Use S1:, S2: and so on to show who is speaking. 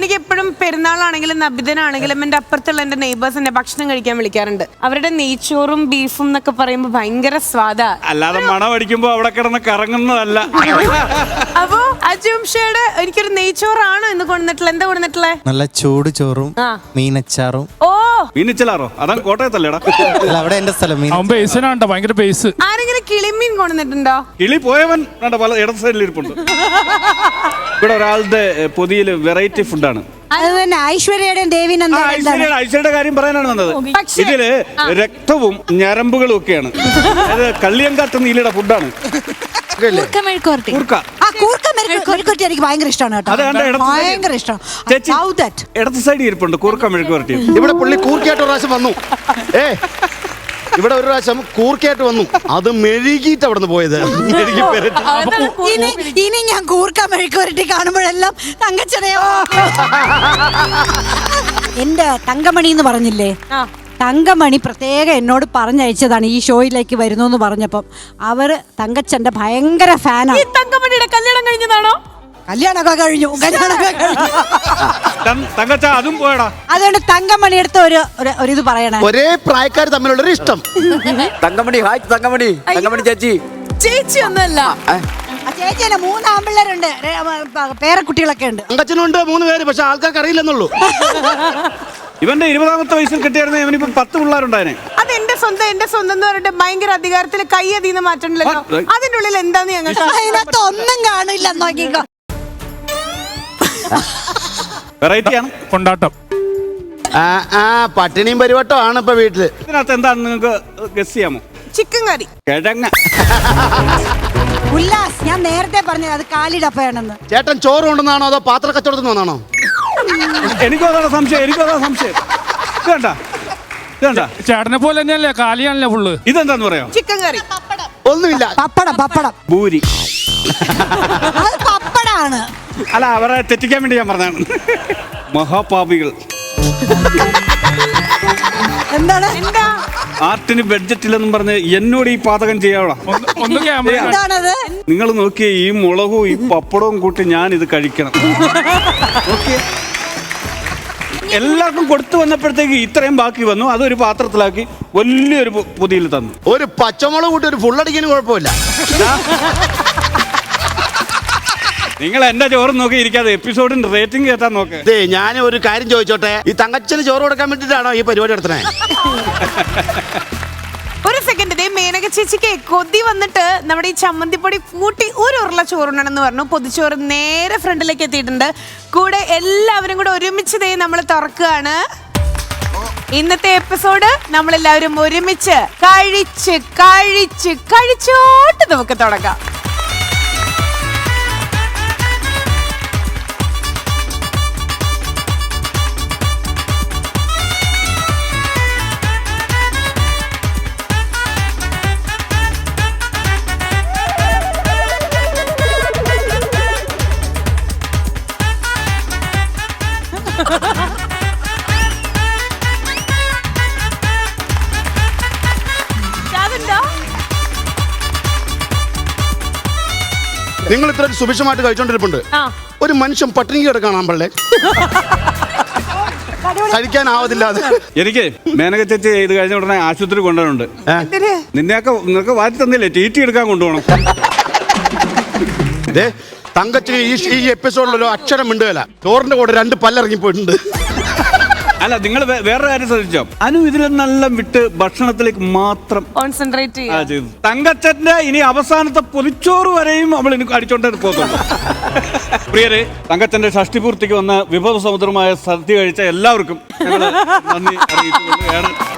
S1: എനിക്ക് എപ്പോഴും പെരുന്നാളാണെങ്കിലും നബിദിനാണെങ്കിലും എന്റെ അപ്പുറത്തുള്ള എന്റെ നെയ്ബേഴ്സ് എന്നെ ഭക്ഷണം കഴിക്കാൻ വിളിക്കാറുണ്ട്. അവരുടെ നെയ്ച്ചോറും ബീഫും എന്നൊക്കെ പറയുമ്പോ ഭയങ്കര സ്വാദാ.
S2: അല്ലാതെ മണം അടിക്കുമ്പോ അവിടെ കിടന്ന് കറങ്ങുന്നതല്ല.
S1: അപ്പൊ അജുംഷയുടെ എനിക്കൊരു നെയ്ച്ചോറാണോ ഇന്ന് കൊണ്ടുവന്നിട്ടുള്ള? എന്താ കൊണ്ടുവന്നിട്ടുള്ളേ?
S3: നല്ല ചൂട് ചോറും മീനച്ചാറും.
S1: ഓ
S2: മീനിച്ചലാറോ? അതാ കോട്ടയത്തല്ലേടാ?
S3: അവിടെ എന്റെ സ്ഥലം.
S4: ഭയങ്കര ബേസ്.
S1: ആരെങ്കിലും കിളിമീൻ കൊണ്ടുവന്നിട്ടുണ്ടോ?
S2: കിളി പോയവൻ പല ഇടത് സൈഡിൽ ഇരിപ്പുണ്ട്. ഇവിടെ ഒരാളുടെ പൊതിയില് വെറൈറ്റി ഫുഡാണ്.
S5: അത് തന്നെ ഐശ്വര്യയുടെയും
S2: ഐശ്വര്യയുടെ കാര്യം പറയാനാണ് വന്നത്. ഇതില് രക്തവും ഞരമ്പുകളും ഒക്കെയാണ്. അത് കള്ളിയങ്കാട്ട് നീലയുടെ ഫുഡാണ്.
S5: എനിക്ക് ഭയങ്കര ഇഷ്ടമാണ് കേട്ടോ. ഭയങ്കര ഇഷ്ടം.
S2: ഇടത് സൈഡിൽ ഇരിപ്പുണ്ട് കൂർക്ക മെഴുക്ക് വരട്ടി.
S6: ഇവിടെ പുള്ളി കൂർക്കയായിട്ട് ഒരു പ്രാവശ്യം വന്നു. ഇവിടെ ഒരു പ്രാവശ്യം കൂർക്കയായിട്ട് വന്നു. അത് മെഴുകിയിട്ട് അവിടെ നിന്ന് പോയത്.
S5: ഇനി ഞാൻ കൂർക്ക മെഴുക്ക് വരട്ടി കാണുമ്പോഴെല്ലാം തങ്കച്ചനെയോ എന്റെ തങ്കമണി എന്ന് പറഞ്ഞില്ലേ, തങ്കമണി പ്രത്യേകം എന്നോട് പറഞ്ഞയച്ചതാണ് ഈ ഷോയിലേക്ക് വരുന്നു എന്ന് പറഞ്ഞപ്പം. അവര് തങ്കച്ചന്റെ ഭയങ്കര ഫാനാണ്.
S1: തങ്കമണിയുടെ കല്യാണം കഴിഞ്ഞതാണോ?
S5: കല്യാണമൊക്കെ കഴിഞ്ഞു.
S2: തങ്കച്ച അതും പോയടാ.
S5: അതുകൊണ്ട് തങ്കമണി എടുത്ത ഒരു ഇത് പറയണേ.
S6: ഒരേ പ്രായക്കാർ തമ്മിലുള്ളൊരു ഇഷ്ടം.
S7: തങ്കമണി, ഹായ് തങ്കമണി. തങ്കമണി ചേച്ചി.
S1: ചേച്ചി ഒന്നല്ല,
S5: ചേച്ചി 3 ആമ്പിള്ളേരുണ്ട്, പേരക്കുട്ടികളൊക്കെ ഉണ്ട്.
S6: തങ്കച്ചനുണ്ട് 3 പേര്, പക്ഷെ ആൾക്കാർക്ക് അറിയില്ലെന്നുള്ളൂ.
S2: ഇവന്റെ 20ാമത്തെ വയസ്സിൽ കിട്ടിയായിരുന്നു ഇവനിപ്പോ 10 പിള്ളേരുണ്ടായനെ.
S1: അത് എന്റെ സ്വന്തം എന്ന് പറഞ്ഞിട്ട് ഭയങ്കര അധികാരത്തിൽ കൈ അതീന്ന് മാറ്റണ്ടല്ലോ. അതിന്റെ ഉള്ളിൽ എന്താന്ന് ഞങ്ങൾക്ക്
S5: അതിനകത്ത് ഒന്നും കാണില്ല. നോക്കിക്കോ,
S2: വെറൈറ്റിയാണ്
S4: കൊണ്ടാട്ടം.
S6: പട്ടിണിയും പരിവട്ടം ആണ് ഇപ്പൊ വീട്ടില്.
S2: ഇതിനകത്ത് എന്താണ് നിങ്ങൾക്ക് ഗസ് ചെയ്യാമോ?
S1: ചിക്കൻ കറി.
S2: കിഴങ്ങ.
S5: ഉല്ലാസ്, ഞാൻ നേരത്തെ പറഞ്ഞത് അത് കാലിടപ്പയാണെന്ന്.
S6: ചേട്ടൻ ചോറ് കൊണ്ടുവന്നാണോ അതോ പാത്ര കച്ചവടത്തിൽ നിന്നാണോ?
S2: എനിക്കും അതാണ് സംശയം.
S4: ചേട്ടനെ പോലെ തന്നെയല്ലേ, കാലിയാണല്ലേ ഫുള്ള്.
S2: ഇതെന്താന്ന് പറയാം?
S1: Chicken curry.
S6: ഒന്നുമില്ല.
S5: പപ്പടം
S2: ഭൂരി.
S5: അത് പപ്പടാണ്.
S2: അല്ല, അവരെ തെറ്റിക്കാൻ വേണ്ടി ഞാൻ പറഞ്ഞാണ്. മഹാപാപികൾ.
S5: എന്താണ്?
S2: ആർട്ടിന് ബഡ്ജറ്റ് ഇല്ലെന്നും പറഞ്ഞ് എന്നോട് ഈ പാചകം ചെയ്യാവണം.
S5: എന്താണത്?
S2: നിങ്ങൾ നോക്കിയേ, ഈ മുളകും ഈ പപ്പടവും കൂട്ടി ഞാൻ ഇത് കഴിക്കണം. എല്ലാവർക്കും കൊടുത്തു വന്നപ്പോഴത്തേക്ക് ഇത്രയും ബാക്കി വന്നു. അതൊരു പാത്രത്തിലാക്കി വലിയൊരു പൊതിയിൽ തന്നു.
S6: ഒരു പച്ചമുളക് കൂട്ടി ഒരു ഫുള്ളടിക്കാനും കുഴപ്പമില്ല.
S2: നിങ്ങൾ എന്റെ ചോറ് നോക്കി ഇരിക്കാതെ എപ്പിസോഡിന്റെ റേറ്റിംഗ് കേട്ടാൻ നോക്ക്.
S6: ഞാൻ ഒരു കാര്യം ചോദിച്ചോട്ടെ, ഈ തങ്കച്ചന് ചോറ് കൊടുക്കാൻ വേണ്ടിട്ടാണോ ഈ പരിപാടി നടത്തണേ?
S1: ഒരു സെക്കൻഡ്, മേനക ചേച്ചിക്ക് കൊതി വന്നിട്ട് നമ്മുടെ ഈ ചമ്മന്തിപ്പൊടി കൂട്ടി ഒരു ഉരുള ചോറുണ്ടെന്ന് പറഞ്ഞു. പൊതിച്ചോറ് നേരെ ഫ്രണ്ടിലേക്ക് എത്തിയിട്ടുണ്ട്. കൂടെ എല്ലാവരും കൂടെ ഒരുമിച്ച് നമ്മൾ തുറക്കുകയാണ്. ഇന്നത്തെ എപ്പിസോഡ് നമ്മളെല്ലാവരും ഒരുമിച്ച് കഴിച്ചോട്ട് നമുക്ക് തുടങ്ങാം.
S6: നിങ്ങൾ ഇത്ര സുഭിക്ഷമായിട്ട് കഴിച്ചോണ്ടിരിപ്പുണ്ട്. ഒരു മനുഷ്യൻ പട്ടിണി കിടക്കണം പള്ളേ, കഴിക്കാനാവതില്ല.
S2: എനിക്ക് മേനക ചേച്ചി ഇത് കഴിഞ്ഞ ഉടനെ ആശുപത്രി കൊണ്ടുപോകുന്നുണ്ട്. നിങ്ങൾക്ക് വാറ്റി തന്നില്ലേ, ടീറ്റി എടുക്കാൻ കൊണ്ടുപോകണം.
S6: തങ്കച്ചിന് ഈ എപ്പിസോഡിലൊരു അക്ഷരം മിണ്ടുകയില്ല. ചോറിന്റെ കൂടെ 2 പല്ലിറങ്ങി പോയിട്ടുണ്ട്.
S2: അല്ല, നിങ്ങൾ വേറൊരു കാര്യം ശ്രദ്ധിച്ചോ? അനു ഇതിലെന്നെല്ലാം വിട്ട് ഭക്ഷണത്തിലേക്ക് മാത്രം
S1: കോൺസെൻട്രേറ്റ്
S2: ചെയ്തു. തങ്കച്ചന്റെ ഇനി അവസാനത്തെ പൊതിച്ചോറ് വരെയും അവൾ എനിക്ക് അടിച്ചോണ്ടേ പോകുന്നുണ്ട്. പ്രിയരെ, തങ്കച്ചന്റെ ഷഷ്ടിപൂർത്തിക്ക് വന്ന വിഭവ സമുദ്രമായ സദ്യ കഴിച്ച എല്ലാവർക്കും ഞങ്ങൾ നന്ദി അറിയിച്ചുകൊണ്ട്